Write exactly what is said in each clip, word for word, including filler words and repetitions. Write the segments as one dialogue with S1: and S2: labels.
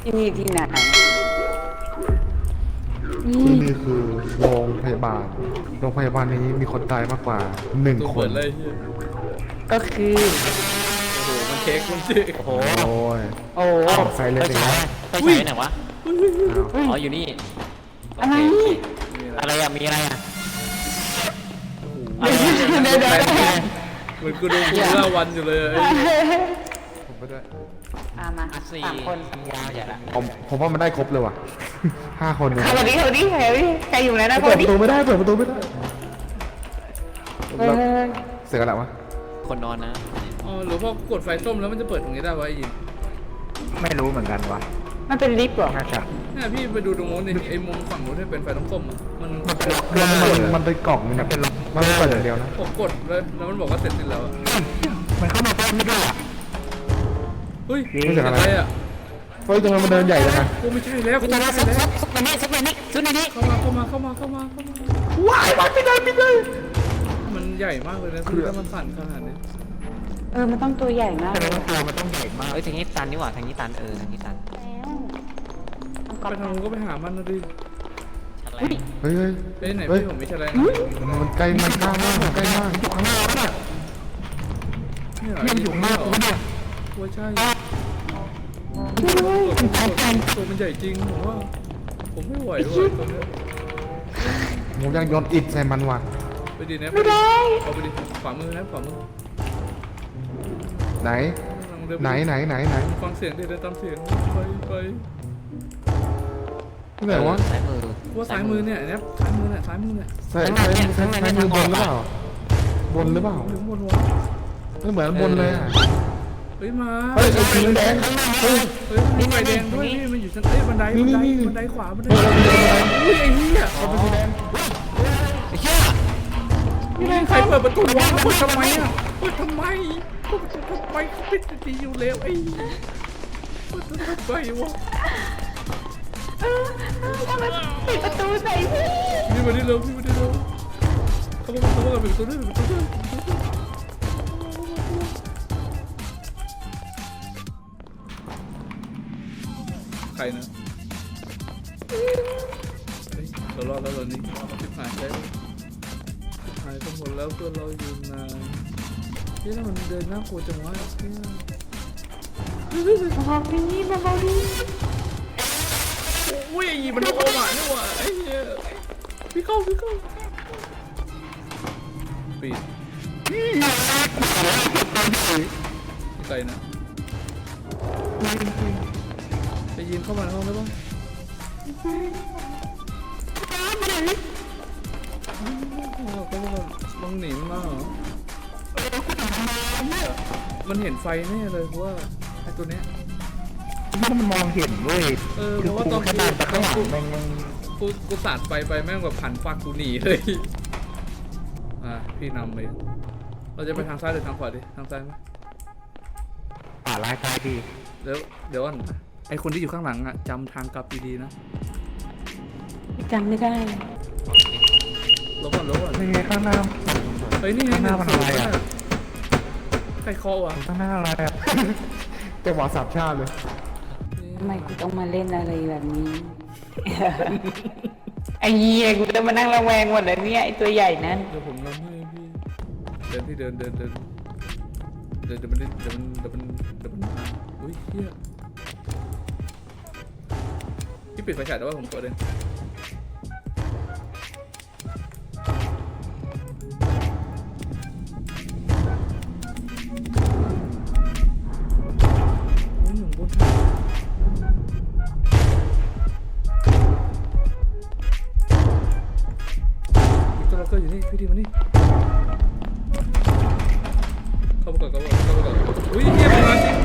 S1: ที่นี่ที่ไหน
S2: ที่นี่คือโรงพยาบาลโรงพยาบาลนี้มีคนตายมากกว่าหนึ่ง
S3: ตัว
S2: ค
S3: เปิ
S2: น
S3: ดเลยเฮีย
S1: ก็คือ
S3: โอ้โหมันเค้กมันจืด
S4: โอ้โห
S2: โอ้ย
S1: โอ้
S2: อ้าวไซเลน
S4: ไป
S2: อีก
S4: ฉา
S2: แล้ว
S4: ยไปฉายไหนวะ
S2: อ้าว
S4: อ๋ออยู่นี่
S1: อะไร
S4: โเค
S3: นี่แหละ
S4: อะไรอะมีอะไรอะ
S3: โอ้โห
S1: เดี๋ยวเดี๋ยวเดี๋ยว
S3: เหมือนกูดูกูเล่าวันอยู่เลยไอ้
S2: ผมไปด้วย
S1: อ่ะมา
S4: อ่ะสี่
S1: สามคน
S4: ยาวใหญ่ละ
S2: ผมผมว่ามันได้ครบเลยว่ะห้าคนเลย
S1: สวัสดีสวัสดีใครใครอยู่ไหนนะส
S2: เปิ
S1: วั
S2: ด
S1: ส
S2: ป
S1: ดี
S2: ระตูไม่ได้เปิดประตูไม่ได้
S1: เฮ้ย
S2: เสียกันแล้ววะ
S4: คนนอนนะ
S3: อ๋อหรือพอกดไฟส้มแล้วมันจะเปิดตรงนี้ได้วะไอ้ยิน
S5: ไม่รู้เหมือนกันวะ
S1: มันเป็นลิฟต์เหรอ
S5: น่าจะ
S3: เนี่ยพี่ไปดูตรงโน้นนี่ไอ้มุมฝั่งโน้นที่เป็นไฟส้มๆอ่ะมัน
S5: มันเป็นล็อก
S2: มัน
S5: เกอ
S2: มัน
S5: ร์
S2: มันเป็นกล่องมันเป็นมันเปิดอย่างเดียวนะ
S3: ผมกดเลยแล้วมันบอกว่าเสร็จสิ้นแล้วอะ
S5: มันเข้ามาแป๊บไม่ได้อะ
S3: เฮ้ย
S2: ไม่ใช่อะไร
S3: อะไรอ่ะ
S2: เฮ้ยทำไมมันเดินใหญ่จังอะ
S3: กูไม่ใช่แล้วกู
S4: ตัว
S3: ไม่
S4: นี้
S3: ใช่
S4: ซุป
S3: แล้ว
S4: ซุปซุปในนี้ซุปในนี้ซุปในนี้
S3: เข้ามาเข้ามาเข้ามาเข้ามาเข้ามา
S2: ว้ายมันไม่ได้ไม่ได้
S3: มันใหญ่มากเลยนะพี่ถ้ามันสั่นขนาดนี้
S1: เออมันต้องตัวใหญ่มาก
S5: แต่
S1: เลย
S5: ว่าตัวมันต้องใหญ่มาก
S4: เอ้ยทางนี้ตันนี่หว่าทางนี้ตันเออทางนี้ตัน
S1: แล้ว
S3: ไปทางนู้นก็ไปหามันนะดิ
S4: อะไร
S2: เฮ้ยเฮ้ย
S3: ไปไหน
S2: เฮ้ย
S3: พี่ผมไม่ใช่อะไร
S2: มันมันใกล้มันข้างมากมันใกล้มาก
S5: อยู่ข้างหน้าแล้วน่ะ
S3: เนี่ย
S5: มันอยู่ข้างหน้ากูเนี่ย
S3: ว่าใช่ตัวมันใหญ่จริงผมว่าผมไม่ไหวด้วยตัวนี้
S2: ผมยังโยนอิฐใส่มันว่ะ
S3: ไปดีนะ
S1: ไม่ได้
S3: เอาไปดิขวามือนะขวามือ
S2: ไหน
S3: ลองเดิป
S2: ไหนไหนไหนไหน
S3: ฟังเสียงดิเดินตามเสียงไปไป
S2: ที่ไหนวะ
S4: ซ้ายมือ
S3: ว่าซ้ายมือเนี่ยเนี่ยซ้ายมือเนี่ยซ้ายมือเนี่ย
S2: ใส่ใส่ใส่ใส่มือบนหรือเปล่าบนหรือเปล่า
S3: หรือบนวะ
S2: ไม่เหมือนบนเลยอ่ะ
S3: เฮ้ยมา
S2: เฮ้ยไอ้สีแดงเฮ้ย
S3: เฮ้ยมีไฟแดงด้วยพี่มันอยู่ชั้นเอ้ยบันได
S2: นี่
S3: บันได
S2: นี่นี่
S3: บันไดขวาบันได
S2: เฮ้ยเราเป็นอะไร
S3: อุ้ยไอ้เหี้ย
S2: เราเป็นสีแดง
S4: ไอ้เหี้ย
S3: นี่แม่งใครเปิดประตูวะเปิดทำไมอ่ะเปิดทำไมเปิดทำไมเขาปิดดีอยู่แล้วไอ้เปิดทำไมวะ
S1: เออเออทำไมปิดประตูใส่พี่
S3: พี่มาดิเร็วพี่มาดิเร็วเขาบอกเขาบอกปิดประตูด้วยปิดประตูด้วยใครนะเฮ้ยเรารอดแล้วเรานี่ชิบหายแล้วชิบหายกันหมดแล้วเพื่อนเราอยู่นานเฮ้ยแล้วมันเดินน่ากลัวจังวะเนี่ย
S1: เบาๆพี่เบาๆดิ
S3: อุ้ยมันโอมานี่หว่าไอ้เหี้ยพี่เข้าพี่เข้าปิดใส่นะไปยินเข้ามาในห้องได้ปะเขาบอกลองหนีมันมาเหรอมันเห็นไฟแน่เลยเพราะว่าไอ้ตัวเนี้ย
S5: มันมองเห็นเว้ย
S3: เออเพ
S5: คือ
S3: ราะว่า
S5: กู
S3: ตอน
S5: แค่เดินไปข้างหลัง
S3: กู
S5: แม่งแม่ง
S3: กูกูสาดไฟไปแม่งแบบผันฟักกูหนีเลยอ่ะพี่นำเลยเราจะไปทางซ้ายหรือทางขวาดิทางซ้ายไหม
S5: ป่าลายตายดี
S3: เดี๋ยวเดี๋ยวก่อนไอคนที่อยู่ข้างหลังอ่ะจำทางกลับดีๆนะ
S1: จำไม่ได้
S3: ลบก่อนลบก่อน
S5: นี่ไงข้างหน้า
S3: เฮ้ยนี่ไง
S5: ข้างหน้ามันอะไรอะ
S3: ใครเคาะวะ
S5: ข้างหน้าอะไรอะ
S2: จังหวะสามชาติเลย
S1: ทำไมกูต้องมาเล่นอะไรแบบนี้ ไอ้เหี้ยกูจะมานั่งระแวงหมดเลยเนี่ยไอ้ตัวใหญ่นั่น
S3: เดี๋ยวผมนำให้พี่เดินพี่เดินเดินเดินเดินเดี๋ยวมันเดี๋ยวมันเดี๋ยวมันเดี๋ยวมันมาอุ้ยเฮียพี่ปิดไฟฉายแต่ว่าผมกดเองโอ้ยหนุ่มบนมีตัวล็อกเกอร์อยู่นี่พี่ดีมานี่เข้าไปก่อนเข้าไปก่อนเข้าไปก่อนอุ้ยเฮียมันมาจริง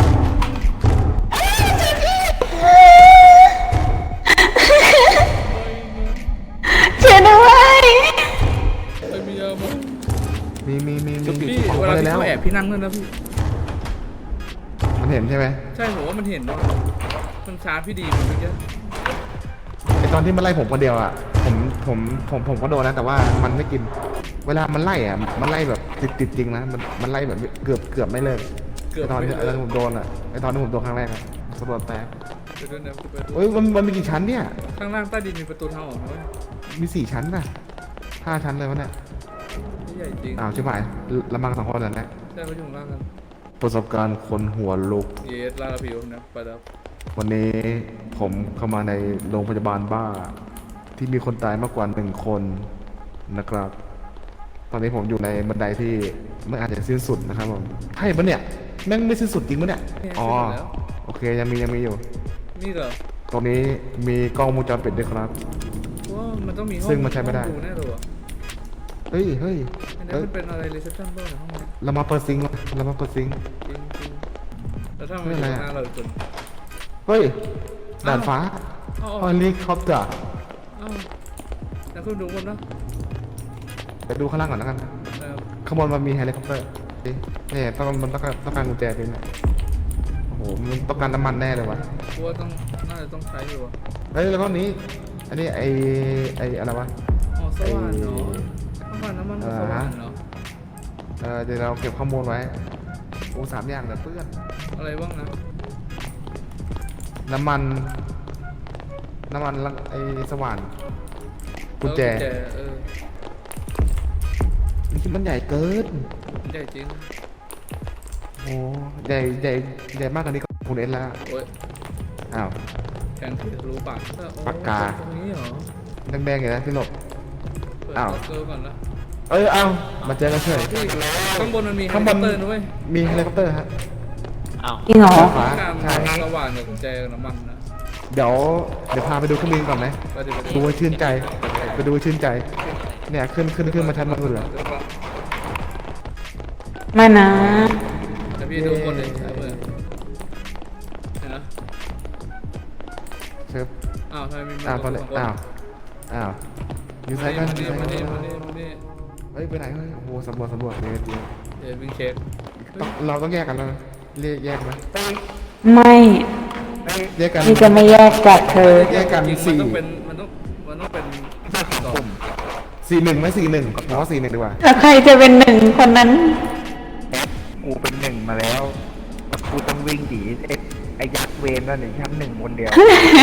S1: เชื่อด้วย
S3: ไอ้มียามั้ง
S2: มีมีมีมี
S3: พี่
S2: ของ
S3: เว
S2: อะ
S3: ลา
S2: ไร
S3: ที่
S2: แล้ว
S3: เขาแอบพี่นั่งด้วยนะพี่
S2: มันเห็นใช่ไหม
S3: ใช่ผมว่ามันเห็นว่ามันชาร์จพี่ดีมันเมื่อกี้
S2: ไอตอนที่มันไล่ผมคนเดียวอ่ะผมผมผมผมก็โดนนะแต่ว่ามันไม่กิน เวลามันไล่อ่ะมันไล่แบบติดติดจริงนะมันมันไล่แบบเกือบเกือบไม่เลิก
S3: เกือบ
S2: ไอตอนที่
S3: ไม่
S2: ไอตอนที่ผมโดนอ่ะไอตอนที่ผมโดนครั้งแรกอ่ะสะบัดแตก
S3: ไปด้วยนะไปด้วย
S2: เฮ้ยมันมันมีกี่ชั้นเนี่ย
S3: ข้างล่างใต้ดินมีประตูทางออกด้วย
S2: มีสี่ชั้นน่ะห้าชั้นเลยวะเนี่ย
S3: ที่ใหญ่จริง
S2: อ้าวชิบหายละมังสองคนนั่นแหละ
S3: ใช่เขาอยู่ข้างล่างกัน
S2: ประสบการณ์คนหัวลุก
S3: เยสลาลาผิวนะไปแล้ว
S2: วันนี้ผมเข้ามาในโรงพยาบาลบ้า ที่มีคนตายมากกว่าหนึ่งคนนะครับ ตอนนี้ผมอยู่ในบันไดที่ไม่อาจจะสิ้นสุดนะครับผมใช่ปะเนี่ยแม่งไม่สิ้นสุดจริงปะเนี่ยอ๋อโอเคยังมียังมีอยู่
S3: นี่เหรอ
S2: ตรงนี้มีกล้องวงจรปิดด้วยครับ
S3: ว่ามันต้องมีห้อง
S2: ซึ่งมันใช้ไม่ได้
S3: ห้องดูแน่เลยว่ะ
S2: เฮ้ยเฮ้ย
S3: อันนี้
S2: เอ้ย
S3: มันเป็นอะไรรีเซพชันบ้างในห้องนี้
S2: เรามาเปิดซิงค์วะเรามาเปิดซิงค์
S3: จริงจริงแล้วถ้ามัน
S2: เฮ้ย
S3: อยู่
S2: อะไรอะ
S3: หน้าเราอีกคน
S2: เฮ้ยด่านฟ้า
S3: เอ้า
S2: เฮลิคอปเตอร์
S3: เอ้าแล้วคุณดูคนนะ
S2: ไปดูข้างล่างก่อนแล้วกัน
S3: เออ
S2: ข้างบนมันมีเฮลิคอปเตอร์นี่เนี่ยต้องมันต้องการต้องการกุญแจจริงเนี่ยโอ้โหมันต้องการน้ำมันแน่เลยวะ
S3: กูว่าต้องน่าจะต้องใช้อยู่อ่ะ
S2: เฮ้ยแล้วก็นี้อันนี้ไอไออะไรวะ
S3: อ๋อสว่านเนาะน้ำมันน้ำมัน
S2: เออ
S3: สว่าน
S2: ฮะ
S3: เนาะ
S2: เออเดี๋ยวเราเก็บข้อมูลไว้โอ้สามอย่างแต่เพื่อน
S3: อะไรบ้างนะ
S2: น้ำมัน น้ำมันแล้วไอสว่านกุญแจ
S3: เออเออ
S2: นี่มันใหญ่เกิน
S3: ใหญ่จริง
S2: โอ้ใหญ่ใหญ่ใหญ่มากกว่านี้ก็คุณเอ็นแล้ว
S3: โอ้ย
S2: อ้าว
S3: แข็งถือรู้ปากเออโอ้
S2: ปากกา
S3: ตรงนี้เหรอ
S2: แดงๆอย่างนั้นพี่หลบ
S3: เปิด
S2: อ้าว
S3: ล็อกเกอร์ก่อนนะ
S2: เอ้ยเอ้ามาเจอกันเฉย
S3: ที่ข้างบนมันมี
S2: ข้างบน
S3: เฮลิคอปเตอร์ด้วย
S2: มีเฮลิคอปเตอร์ฮะ
S4: อ้าว
S1: จริงเหรอ
S2: ฟ้า
S3: การ
S2: ใช่
S3: สว่านกับกุญแจกับน้ำมันนะ
S2: เดี๋ยวเดี๋ยวพาไปดูเครื่องบินก่อนไหม
S3: ไปดิไปดิ
S2: ดูให้ชื่นใจ ไปดูให้ชื่นใจ เนี่ยขึ้นขึ้นขึ้นมาชั้นบนสุดเลย
S1: ไม่นะ
S3: แต่พี่ดูคนเด็กใช้มือเห็นนะ
S2: เชิฟ
S3: อ้าวทำไมมีมื
S2: อ้าว
S3: ส
S2: ตอ
S3: อน ง
S2: นี้
S3: คน
S2: อ้าวอ้าวอยู่ไซ
S3: มา
S2: ส์กัน
S3: นี่
S2: อยู่ไซ
S3: มา
S2: ส์
S3: นี่
S2: กัน
S3: มานี่มานี่
S2: เฮ้ยไปไหนเฮ้ยโอ้โหสำรวจสำรวจเดี๋ยวเดี๋ยว
S3: เดี๋ยววิ่งเช็ค
S2: ต้องเราต้องแยกกันแล้วนะเรียกแยกไหม
S1: ไม่
S2: แยกกัน
S1: พี่จะไม่แยกจากเธอ
S2: แยกกัน
S3: จริงๆมัน
S2: สี่
S3: ต้องเป็นมันต้องมันต้องเป็นสอง
S2: สี่หนึ่งไหมสี่หนึ่งผมว่าสี่หนึ่งดีกว่า
S1: แล้วใครจะเป็นหนึ่งคนนั้น
S5: แอปกูเป็นหนึ่งมาแล้วกูต้องวิ่งหนีไอ้ไอ้ยักษ์เวนนั่นหนึ่งชั้นหนึ่งคนเดียว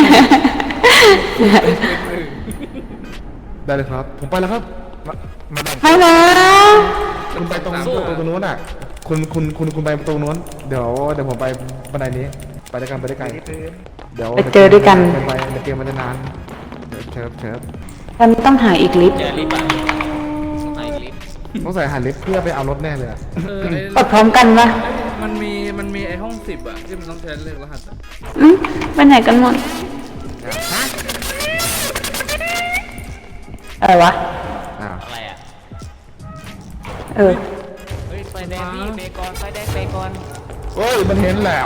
S2: ได้เลยครับ ผมไปแล้วครับ
S5: มาแบ่ง
S1: ฮัลโหล
S2: คุณไปตรงตรงตรงนู้นอ่ะ คุณคุณคุณคุณไปตรงนู้น เดี๋ยวเดี๋ยวผมไปบันไดนี้ ไปด้วยกันไปด้วยกัน
S5: ที่พื้น
S2: เดี๋ยว
S1: ไปเจอด้วยกัน
S2: ไปไปในเกมมันจะนานเดี๋ยวเชิฟเชิฟ
S1: ฉันต้องหาอีกลิฟต์
S4: เจอลิฟต์อ่ะไหนลิฟต์
S2: ต้องใส่หันลิฟต์เพื่อไปเอารถแน่เลยอะ
S3: เออไอ้
S1: กดพร้อมกันปะ
S3: มันมีมันมีไอ้ห้องสิบอะที่มันต้องใช้เลขรหัสอะ
S1: อืมไปไหนกันหมดอะไรวะ
S2: อ้าว
S4: อะไรอ่ะ
S1: เออ
S4: เฮ้ยไฟแดงพี่เบกอนไฟแดงเบกอน
S2: เฮ้ยมันเห็นแล้ว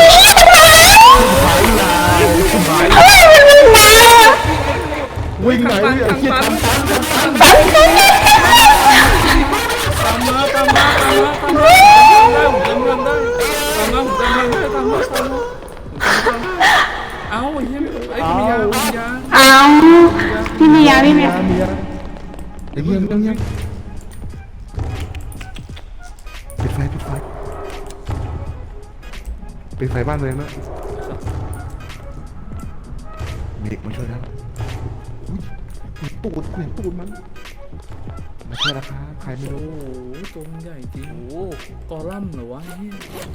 S2: วิ่งไหนไอ้เหี้ยทำตันทำตัน
S3: ตามมาตามมาตามมาตามมาตามได้ผมจำได้ตามมาผมจำได้ตามมาตามมาเอ้าไอ้เหี้ยไอ้มียามียา
S1: เอาพี่มียาพี่มียา
S2: มีอะไรไอ้เหี้ยเรื่องเงี้ยปิดไฟปิดไฟปิดไฟบ้านตัวเองด้วยมีเด็กมาช่วยแล้วอุ๊ยตูดกูเห็นตูดมันมาช่วยแล้วครับใครไม่
S3: โอ้
S2: รู้
S3: โหตัวมันใหญ่จริง
S4: โอ้โห
S3: กอลัมน์เหรอวะเนี่ย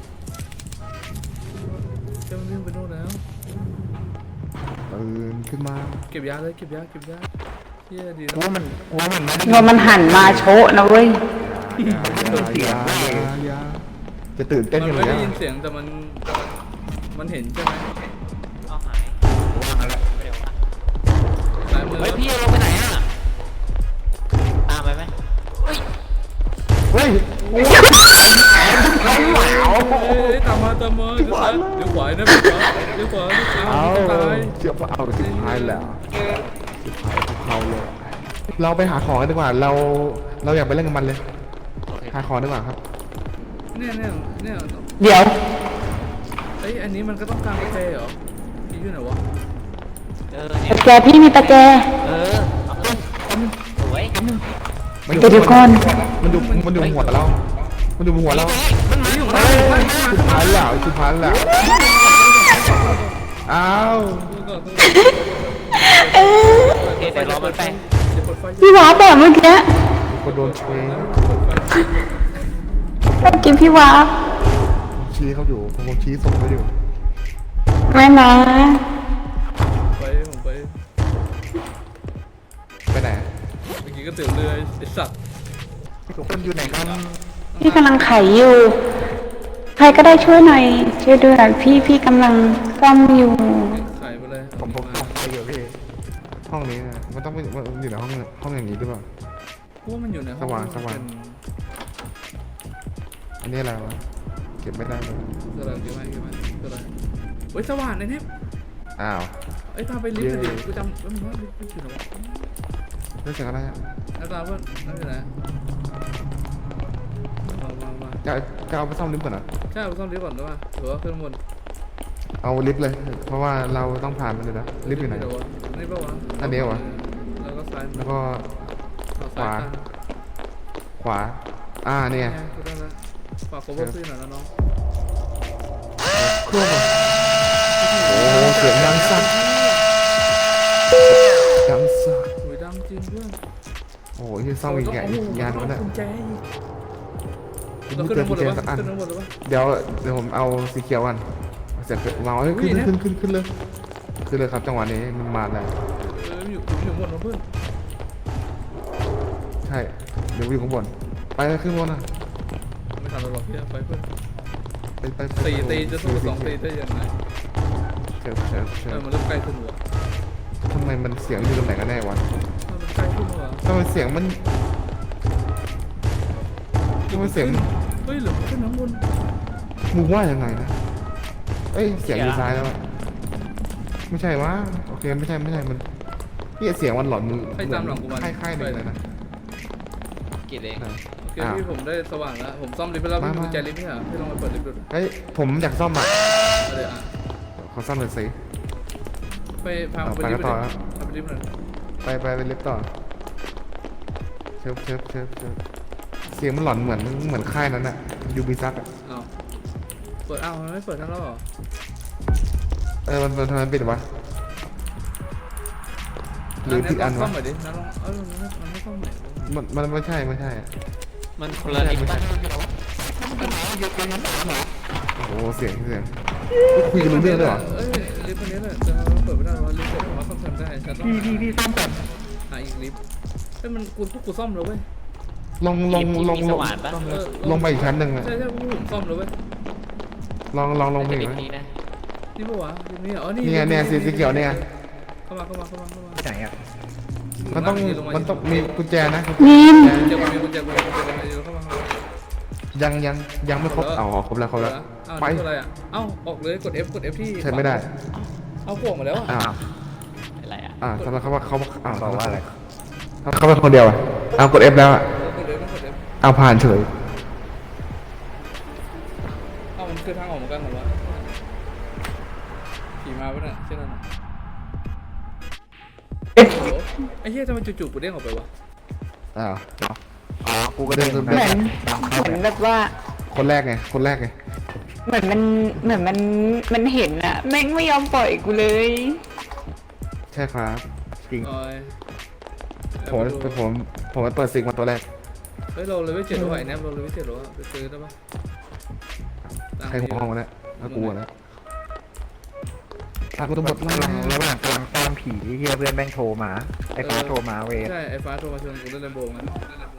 S3: เจ้าวิ่งไปโน่นแล้ว
S2: ตื่นขึ้นมา
S3: เก็บยาเลยเก็บยาเก็บยาเฮียดี
S5: กู
S3: นะ
S5: ว่ามันกูว่ามันไม่ได้
S1: เงินมันหันมาโชะนะเว้ย
S2: อย่าอย่าอย่าจะตื่นเต้น
S3: มั
S2: กัน
S3: น
S2: เล
S3: ไม่
S2: ย
S3: ได้
S2: อะ
S3: ยินเสียงแต่มันมันเห็นใช่ไหม
S4: เอาหาย
S5: กูว่ามันแล้ว
S4: เร็วอ่ะ
S3: ซ้ายมือ
S4: เฮ้ยพี่เราไปไหนอ่ะตามไปไหมเฮ้ย
S2: เฮ้ย
S3: เอ้ยตามมาตามมาเดี๋ยวซ้ายเดี๋ยวขวานะเดี๋ยวขวาเดี๋ยวขวา
S2: เอา
S3: เดี๋ยวตาย
S2: เชื่อว่าเอาสิบพายแล้วสิบพายของเขาเลยเราไปหาของกันดีกว่า เราเราอยากไปเล่นกับมันเลย
S4: โอเค
S2: หาของดีกว่าครับ
S3: เนี่ยเนี่ยเนี่ย
S1: เดี๋ยว
S3: เอ้ยอันนี้มันก็ต้องการกาแฟเหรอพี่อยู่ไหนวะ
S4: เออเนี่ย
S1: ตะแกพี่มีตะแก
S4: เออเอาไปสวย
S2: มัน
S1: เดี๋ยวเดี๋ยวก่อน
S2: มันอยู่มันอยู่บนหัวเรา มันอยู่บนหัวเรา
S3: มันหนีของเรา
S2: สิบพายแล้วสิบพายแล้วอ้าว
S3: ดูก่อนดู
S4: โอเคเดี๋ยวรอมันไป
S3: เดี๋ยวเปิดไฟ
S1: พี่วาร์ปแบบเมื่อกี้
S2: มีคนโดนเชง
S1: เมื่อกี้พี่วาร์ป
S2: ชี้เขาอยู่ผมชี้ส่งเขาอยู่
S1: ไม่นะ
S3: ไปผมไป
S2: ไปไหน
S3: เมื่อกี้ก็เตี๋ยวเรือไอ้สัตว์
S5: ทุกคนอยู่ไหนกัน
S1: พี่กำลังไขอยู่ ใครก็ได้ช่วยหน่อยช่วยด้วยพี่พี่กำลังซ่อมอยู่
S3: ขายไปเลย
S5: ผมผม
S3: มา
S5: ไปอยู่พี่
S2: ห้องนี้นะมันต้องเป็นมันอยู่ในห้องห้องอย่างนี้หรือเปล่า
S3: พวกมันอยู่ในห้อง
S2: สว่างสว่าง
S3: เป็น
S2: อันนี้อะไรวะเก็บไม่ได้เลย
S3: สว่างกี่ไม้กี่ไม้ก็ได้เฮ้ยสว่างในนี้
S2: อ้าว
S3: ไอ้ยพาไปลิฟต์ดิกูจำว่ามันว่าลิฟต์อยู่ไหนวะ
S2: เรื่องเสียงอะไรอะ
S3: อาจารย์ว่านั่นอยู่ไหนมามามา
S2: จะจะเอาไปซ่อมลิฟต์ก่อนเหรอ
S3: ใช่เอาซ่อมลิฟต์ก่อนได้ป่ะหรือว่าขึ้นข้างบน
S2: เอาลิฟต์เลย เพราะว่าเราต้องผ่านมันเลยนะลิฟต์อยู่ไหน
S3: เดี๋ยววะนี่ป่ะวะ
S2: อันนี้เหรอวะ
S3: แล้วก็ซ้าย
S2: แล้วก็
S3: เอาซ้าย
S2: ขวา
S3: ตั้ง
S2: ขวา อ่าเนี่ย
S3: เนี่ยก็ได้แล้วฝากโคเวอร์ขึ้นหน่อยนะน้อง
S2: เครื่องอะโอ้โหเสียงดังสั่นดังสั่น
S3: โอ้ยดังจริงเพื่อน
S2: โอ้โหที่ซ่อมอีกไงอีกงานวะเนี่ย
S3: กุญแจอีกเรา
S2: ไม่
S3: ขึ้น
S2: เจอ
S3: ข้างบ
S2: กุ
S3: น
S2: ญ
S3: เล
S2: แจ
S3: ยวะ
S2: สักอัน
S3: ขึ้นข้างบนเลยวะ
S2: เดี๋ยวเดี๋ยวผมเอาสีเขียวก่อนเสร็จวางไว้ขึ้น
S3: อุ้ยนะ
S2: ขึ้นขึ้นขึ้นเลยขึ้นเลยครับจังหวะนี้มันมาแล้ว
S3: เอออยู่อยู่บนนะเพื่อน
S2: ใช่เดี๋ยวอยู่ข้างบนไปเลยขึ้นบนอ่ะ
S3: ไม่ทันเราหรอกเฮียไปเพื่อน
S2: ไปไปไป
S3: สี่ตีจะสู้สองตีได้ยังไง
S2: เชิญเชิญเชิ
S3: เออ
S2: ญ
S3: มันเริ่มใกล้ขึ้นหัว
S2: ทำไมมันเสียงอยู่ตรงไหนกันแน่วะ
S3: ถ้ามันใกล้ขึ้นหัว
S2: ทำไมเสียงมันทำไมเสียง
S3: เฮ้ยหรือมันขึ้นข้างบน
S2: มึงว่ายังไงนะเอ้ยเสียงอยู่ซ้ายแล้วอะไม่ใช่วะโอเคไม่ใช่ไม่ใช่มันนี่เสียงมันหลอนมึง
S3: ให้ตามหลังกูมา
S2: ค่ายค่ายหนึ่งเลยนะ
S4: กินเอง
S3: โอเคพี่ผมได้สว่างแล้วผมซ่อมลิฟต์ไปแล้วพี่มีกุญแจลิฟต์นี่เหรอพี่ลองไปเปิดลิฟต์ดู
S2: เฮ้ยผมอยากซ่อมอ่ะ
S3: เอาเลยอ่ะ
S2: ขอซ่อมหน่อยสิ
S3: ไปพาผมไปลิฟต์ไปดิพาไปลิฟต์หน่อย
S2: ไปไปไปลิฟต์ต่อเชิบเชิบเชิบเชิบเสียงมันหลอนเหมือนเหมือนค่ายนั้นอะยูบิซักอะ
S3: เอาเปิดอ้าวมันไม่เปิดทั้งแล้วเหรอ
S2: เออมันมันทำไมปิดวะหรือผิดอัน
S3: ซ่อ
S2: วะ
S3: มหน่อยดินะลองเออมันไม่มันไม่ซ่อมหน่อย
S2: มันมันไม่ใช่ไม่ใช่อะ
S4: มันคนละลิฟต์ป่ะ
S2: โอ้โหเสียงเสียงคุยกันรู้เรื่องด้วยเหรอ
S3: เอ้ยลิฟต์คนนี้แหละจะเปิดไม่ได้หรอลิฟต์เปิดว่าซ่อมได้ฉันต้อง
S5: พี่พี่พี่ซ่อมแบบ
S3: หาอีกลิฟต์เฮ้ยมันกูพวกกูซ่อมแล้วเว้ย
S2: ลงลงลง
S4: มี
S2: ล
S4: ส
S2: ง
S4: ว่านป่ะ
S3: เออ
S2: ลงไปอีกชั้นหนึ่งอะ
S3: ใช่ใช่พวกผมซ่อมแล้วเว้ย
S2: ลองลองลงไป
S4: จะ
S2: อี
S4: ลิ
S2: ก
S4: ฟ
S2: ไหม
S4: ต์นี้นะ
S3: นี่ปะวะลิฟต์นี้อ๋อนี่
S2: เนี่ยเนี่ยสีสีเขียวเนี่ย
S3: เข้ามาเข้ามาเข้ามาเข้ามา
S5: ที่ไหนอ่ะ
S2: มันต้องมันต้องมีกุญแจนะ
S1: นิม
S3: เดี๋ยวมีกุญแจกุญแจกุญแจเดี๋ยวเข้ามาเข้ามา
S2: ยังยังยังไม่ครบอ๋อครบแล้วครบแล้ว
S3: อ้าว
S2: ไป
S3: นี่คืออะไรอ่ะเอ้าออกเลยกด F กด F ที่
S2: ใช้ไม่ได้
S3: เอาพวกมาแล้วอ่ะ
S2: อ้าว
S4: อะไรอ่ะ
S2: อ่าทำไมเขาว่าเขาอ้าว
S5: บอกว่าอะไร
S2: เขาเป็นคนเดียวอ่ะเอากด F แล้วอ่ะ
S3: กด F ต้องกด F
S2: เอาผ่านเฉย
S3: เอ้ามันคือทางออกเหมือนกันเหรอวะขี่มาปะเนี่ยเช่นนั้นอะโอ้โหไอ้เหี้ยทำไมจู่ๆกูเด้งออกไปวะ
S2: อ้าว
S5: อ๋อกูก็เดิน
S2: เดิน
S1: เหมือน
S5: ตาม
S1: เห
S5: เข้า
S1: มือน
S5: ไป
S1: แบบว่า
S2: คนแรกไงคนแรกไง
S1: เหมือนมันเหมือนมันมันเห็นอะแม่งไม่ยอมปล่อยกูเลย
S2: ใช่ครับ
S5: จริง
S3: โอ้ย
S2: ผมผมผมไปเปิดซิงมาตัวแรก
S3: เฮ้ยเราเลยไม่เจ็ดหรอวะไอ้แนบเราเลยไม่เจ็ดหรอวะไปซื้อได้ปะตัง
S2: ใคร
S3: ค์
S2: หัวห้องวะเนี่ยน่ากลัวนะพากูตำรวจ
S5: กำลังระหว่างกำลังตามผีที่เฮียเพื่อนแม่งโทรมาไอ้ฟ้าโทรมาเวร
S3: ใช่ไอ้ฟ้าโทรมาชวนกูเล่นเรนโบว์ไง